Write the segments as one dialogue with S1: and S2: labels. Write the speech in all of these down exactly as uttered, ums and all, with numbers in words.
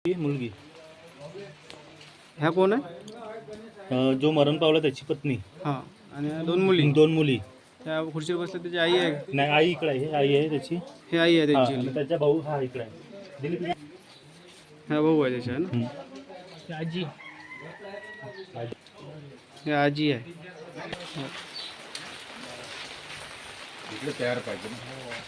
S1: ही मुलगी
S2: ह्या कोण आहे?
S1: अ, जो मरण पावला त्याची पत्नी.
S2: हां. आणि ह्या दोन मुली.
S1: दोन मुली.
S2: त्या खुर्चीवर बसल्या त्याची आई आहे.
S1: नाही, आई इकडे आहे. हे आई आहे त्याची.
S2: हे आई आहे
S1: हा,
S2: त्यांची.
S1: आणि त्याचा भाऊ हा इकडे आहे. दिलीप इकडे.
S2: हा भाऊ आहे त्याच्या ना.
S1: हम्म.
S2: आजी.
S1: आजी.
S2: हे आजी आहे.
S3: इकडे तयार पाहिजे ना.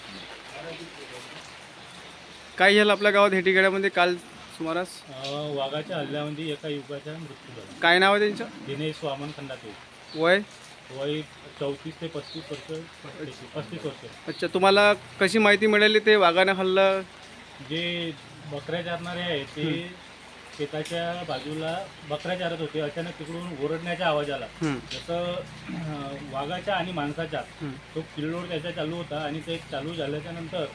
S2: काय झालं आपल्या गावात हेटीगड्यामध्ये काल सुमारास?
S1: अ, वाघाच्या हल्ल्यामध्ये एका युवकाचा मृत्यू झाला.
S2: काय नाव आहे त्यांचं?
S1: दिनेश वामन खंडाते.
S2: वय?
S1: वय चौतीस ते पस्तीस वर्ष. पस्तीस वर्ष.
S2: अच्छा, तुम्हाला कशी माहिती मिळाली ते वाघाने हल्ला?
S1: जे बकऱ्या चारणारे आहेत ते शेताच्या बाजूला बकऱ्या चारत होते. अचानक तिकडून ओरडण्याचा आवाज आला.
S2: हं.
S1: जसं अ, वाघाच्या आणि माणसाच्या
S2: हं.
S1: तो किल्लोड त्याचा चालू होता आणि ते चालू झाल्याच्या नंतर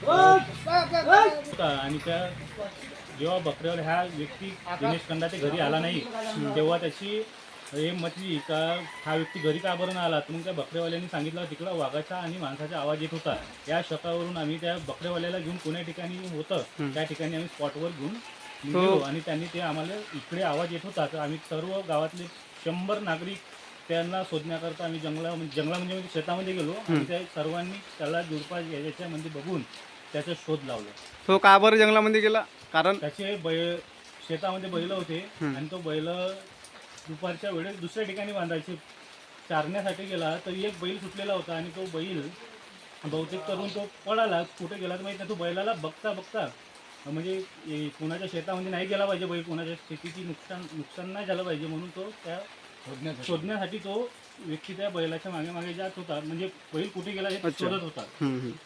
S1: होता आणि त्या जेव्हा बकऱ्यावर ह्या व्यक्ती दिनेश खंडाते घरी आला नाही तेव्हा त्याची हे म्हटली का हा व्यक्ती घरी का बरं नाही आला. तर मग त्या बकऱ्यावाल्यांनी सांगितलं तिकडं वाघाचा आणि माणसाचा आवाज येत होता. या शकावरून आम्ही त्या बकऱ्यावाल्याला घेऊन कोण्या ठिकाणी होतं त्या ठिकाणी आम्ही स्पॉटवर घेऊन गेलो आणि त्यांनी ते आम्हाला इकडे आवाज येत होता. तर आम्ही सर्व गावातले शंभर नागरिक त्यांना शोधण्याकरता आम्ही जंगला जंगला म्हणजे शेतामध्ये गेलो आणि त्या सर्वांनी त्याला जुडपा याच्यामध्ये बघून त्याचा शोध लावला.
S2: तो का बरं जंगलामध्ये गेला? कारण
S1: त्याचे बैल शेतामध्ये बैल होते आणि तो बैल दुपारच्या वेळेस दुसऱ्या ठिकाणी बांधायचे चारण्यासाठी गेला तर एक बैल सुटलेला होता आणि तो बैल बहुतेक करून तो पळाला. कुठे गेला तर माहिती नाही. तो बैलाला बघता बघता म्हणजे कोणाच्या शेतामध्ये नाही गेला पाहिजे बैल, कोणाच्या शेतीची नुकसान नुकसान नाही झालं पाहिजे म्हणून तो त्या शोधण्यासाठी तो व्यक्ती त्या बैलाच्या मागे मागे जात होता. म्हणजे बैल कुठे गेला हे शोधत होता.